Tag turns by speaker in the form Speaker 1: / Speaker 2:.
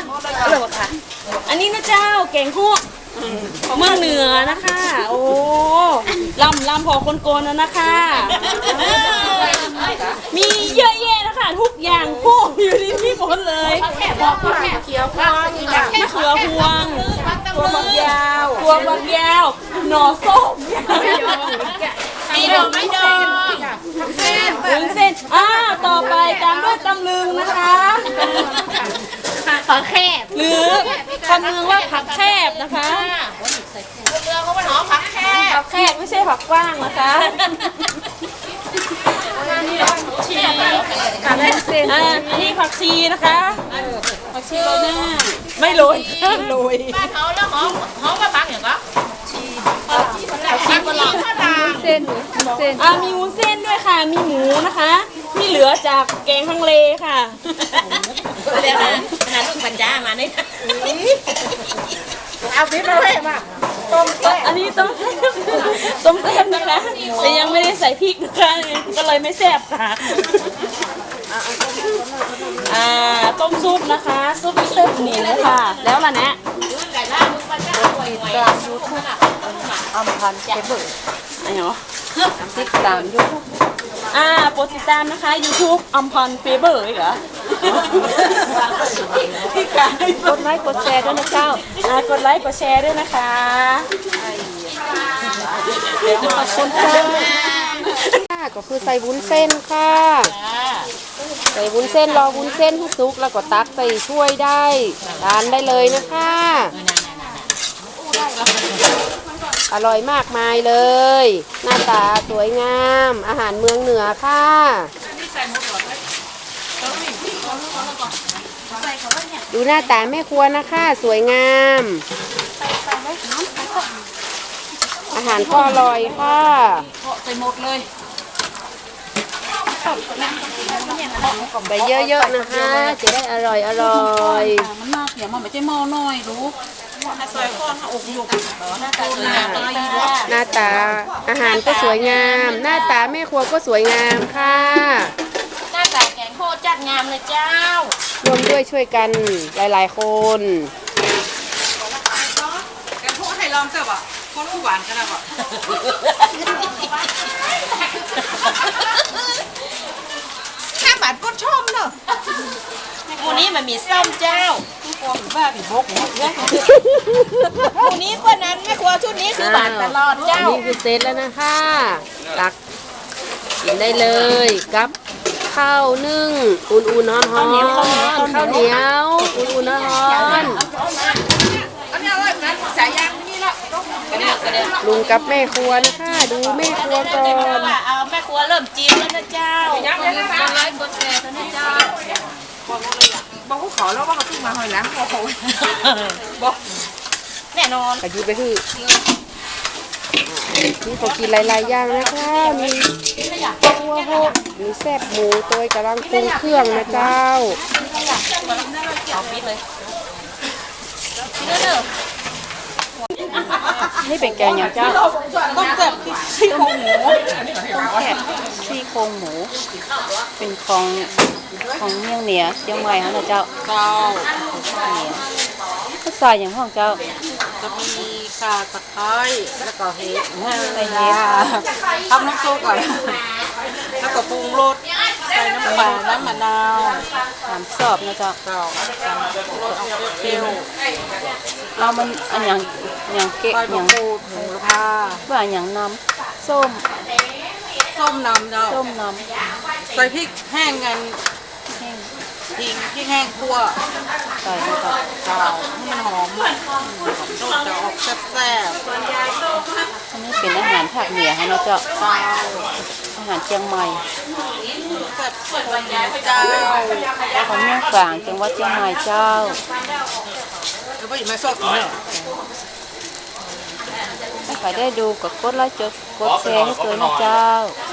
Speaker 1: เลยค่ะอันนี้นะเจ้าแกงฮวกเมืองเหนือนะคะโอ้ลำพอคนโกนนะคะมีเยอะแยะนะคะทุกอย่างพวกอยู่ที่นี่หมดเลยมะเขือพวงตัวฝักยาวหน่อส้มมีดอกไม้ดองวุ้นเส้นต่อไปตามด้วยตำลึงนะคะผักแคบหรือคำเมืองว่าผักแคบนะคะเมืองเขาว่าหนอผักแคบไม่ใช่ผักกว้างนะคะอันนี้ผักชีนะคะผักชีโรยหน้าไม่โรยบ้านเขาแล้วหอมมาผักอย่างก็ผักชีฝรั่งเส้นมีวุ้นเส้นด้วยค่ะมีหมูนะคะมีเหลือจากแกงฮังเลค่ะเดี๋ยวนะลูกปัญญามาเนี่ยเอาพริกมาเลยมาอันนี้ต้มแซ่บนะคะแต่ยังไม่ได้ใส่พริกนะคะก็เลยไม่แซ่บค่ะต้มซุปนะคะซุปเส้นนี่เลยค่ะแล้วล่ะนะอำพันธ์เคเบิลอะไรเหรอติดตามยูทูบโปรดติดตามนะคะ YouTube อำพันธ์เฟเบอร์เหรอกดไลค์กดแชร์ด้วยนะเจ้ากดไลค์กดแชร์ด้วยนะคะขอบคุณค่ะ
Speaker 2: ก็คือใส่วุ้นเส้นค่ะใส่วุ้นเส้นรอวุ้นเส้นให้สุกแล้วก็ตักใส่ถ้วยได้ทานได้เลยนะคะอร่อยมากมายเลยหน้าตาสวยงามอาหารเมืองเหนือค่ะดูหน้าตาแม่ครัวนะคะสวยงามอาหารก็อร่อยค่ะ
Speaker 1: ใส่หมดเลย
Speaker 2: ใส่เยอะๆนะคะจะได้อร่อย
Speaker 1: มันมากเดี๋ยวมันไม่ใช่หม้อน้อยรู้ใส่ข้อนอกหยกหน้าตา
Speaker 2: อาหารก็สวยงามหน้าตาแม่ครัวก็สวยงามค่ะ
Speaker 1: หน้าตาแกงโคตรจัดงามเลยเจ้าร
Speaker 2: วมด้วยช่วยกันหลายๆคน
Speaker 1: แกงโคตรให้ลองเถอะวะคนหวานกันนะวะข้าบาดก็ชอบเนอะวันนี้มันมีส้มเจ้าบ้าผีบกวันนี้กว่านั้นแม่ครัวชุดนี้คือหวานตลอดเจ้า
Speaker 2: นี่คือเซตแล้วนะคะตักกินได้เลยกับข้าวนึ่งอุ่นๆร้อนๆข้าวเหนียวอุ่นๆร้อนลุงกับแม่ครัวนะคะดูแม่ครัวก่อน
Speaker 1: เอาแม่ครัวเริ่มจีนแล้วนะเจ้าคนไลค์กดแชร์นะเจ้าบอกเขาขอแล้วว่าเขาขึ้นมาหอยล้างบอกแน่นอน
Speaker 2: กระยุไปคือนี่เขากินหลายๆอย่างนะคะมีตัวโหดมีแซ่บหมูตัวกำลังปรุงเครื่องนะเจ้า
Speaker 1: เอาปิดเลย
Speaker 2: นี่เป็นแกงอย่างเจ้า
Speaker 1: ต้มแซ่บซี่โครงหมู
Speaker 2: ซี่โครงหมูเป็นของเมี่ยงเหนือเชียงใหม่ฮะนะเจ้าก็ใส่อย่างห้องเจ้า
Speaker 1: จะมีข่าตะไคร้แล้วก็เห็ด
Speaker 2: ใส่เห็ด
Speaker 1: ทำน้ำซุปก่อนแล้วก็ปรุงรสใส่น้ำปลาน้ำมะนาว
Speaker 2: สอบนะเจ้ารส
Speaker 1: เอาเปรี้ยว
Speaker 2: เรามันอันอย่างเกะอย่าง
Speaker 1: ปูดหมูผ้า
Speaker 2: ว่าอย่างน้ำส้ม
Speaker 1: น้ำเจ้าใส่พริกแห้งกันพริกแห้งคั่ว
Speaker 2: ใส่ลงไป
Speaker 1: เจ้าให้มันหอมจะออกแซ่บ
Speaker 2: อันนี้เป็นอาหารภาคเหนือฮะเนาะเจ้าอาหารเชียงใหม่
Speaker 1: แซ่บเจ้า
Speaker 2: ของเมืองฝางจังหวัดเชียงใหม่เจ้า
Speaker 1: แล้วก็อยู่ไม่ชอบกินเหรอ
Speaker 2: ถ้าใครได้ดูกดไลค์กดแชร์ให้ตัวนะเจ้า